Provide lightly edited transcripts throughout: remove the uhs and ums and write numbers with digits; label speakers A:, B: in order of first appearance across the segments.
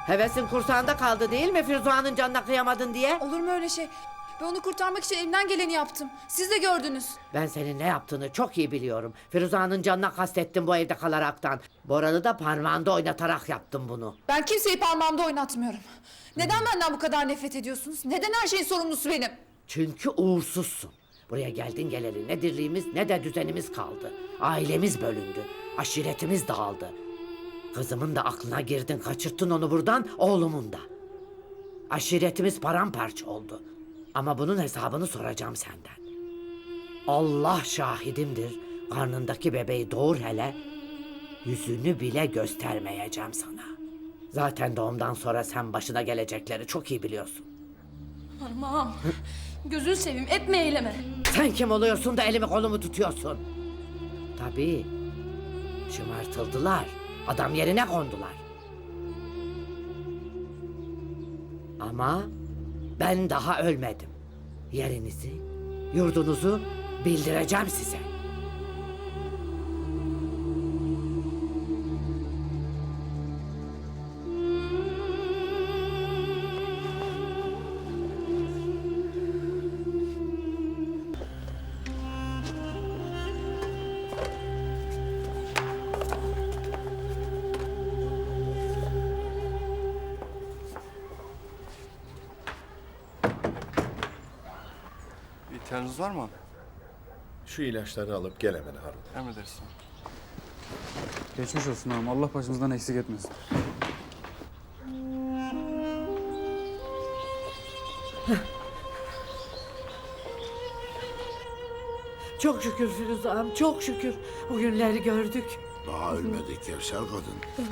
A: Hevesin kursağında kaldı değil mi Firuza'nın canına kıyamadın diye?
B: Olur mu öyle şey? Ben onu kurtarmak için elimden geleni yaptım. Siz de gördünüz.
A: Ben senin ne yaptığını çok iyi biliyorum. Firuza'nın canına kastettin bu evde kalaraktan. Boran'ı da parmağında oynatarak yaptın bunu.
B: Ben kimseyi parmağımda oynatmıyorum. Neden benden bu kadar nefret ediyorsunuz? Neden her şeyin sorumlusu benim?
A: Çünkü uğursuzsun. Buraya geldin geleli ne dirliğimiz ne de düzenimiz kaldı. Ailemiz bölündü. Aşiretimiz dağıldı. Kızımın da aklına girdin, kaçırttın onu buradan, oğlumun da. Aşiretimiz paramparça oldu. Ama bunun hesabını soracağım senden. Allah şahidimdir. Karnındaki bebeği doğur hele. Yüzünü bile göstermeyeceğim sana. Zaten doğumdan sonra sen başına gelecekleri çok iyi biliyorsun.
C: Parmağım. Gözünü seveyim etme eyleme.
A: Sen kim oluyorsun da elimi kolumu tutuyorsun? Tabii. Şımartıldılar. Adam yerine kondular. Ama ben daha ölmedim. Yerinizi, yurdunuzu bildireceğim size.
D: İhtiyacınız var mı?
E: Şu ilaçları alıp gel hemen Harun.
D: Emredersin.
F: Geçmiş olsun ağam. Allah başımızdan eksik etmesin.
A: Çok şükür Firuze ağam, çok şükür. Bu günleri gördük.
G: Daha ölmedi Kevser kadın.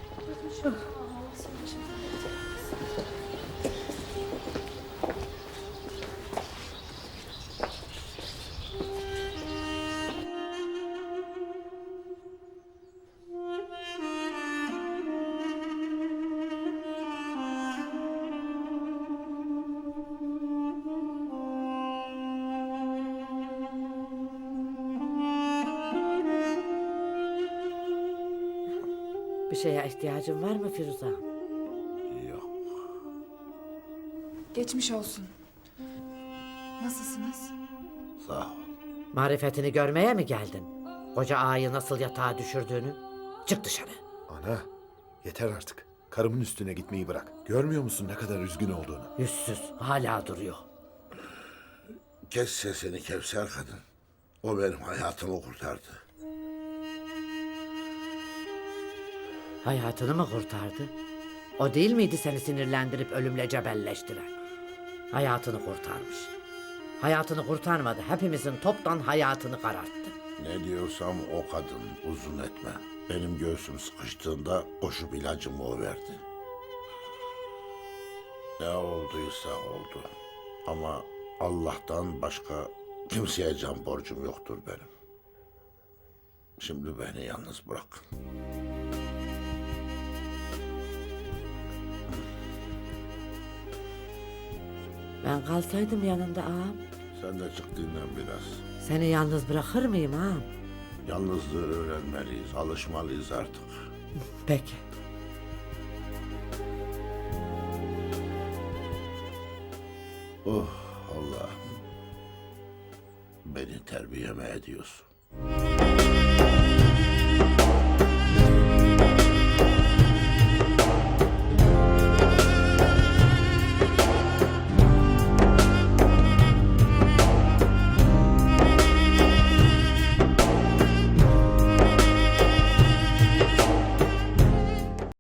A: Bir şeye ihtiyacın var mı Firuze ağam?
G: Yok.
B: Geçmiş olsun. Nasılsınız?
G: Sağ ol.
A: Marifetini görmeye mi geldin? Koca ağayı nasıl yatağa düşürdüğünü? Çık dışarı.
E: Ana, yeter artık. Karımın üstüne gitmeyi bırak. Görmüyor musun ne kadar üzgün olduğunu?
A: Yüzsüz, hala duruyor.
G: Kes sesini Kevser kadın. O benim hayatımı kurtardı.
A: Hayatını mı kurtardı? O değil miydi seni sinirlendirip ölümle cebelleştiren? Hayatını kurtarmış. Hayatını kurtarmadı. Hepimizin toptan hayatını kararttı.
G: Ne diyorsam o kadın, uzun etme. Benim göğsüm sıkıştığında koşup ilacımı o verdi. Ne olduysa oldu. Ama Allah'tan başka kimseye can borcum yoktur benim. Şimdi beni yalnız bırak.
A: Ben kalsaydım yanında ağam.
G: Sen de çık dinlen biraz.
A: Seni yalnız bırakır mıyım ağam?
G: Yalnızlığı öğrenmeliyiz, alışmalıyız artık.
A: Peki.
G: Oh Allah'ım. Beni terbiyeme ediyorsun.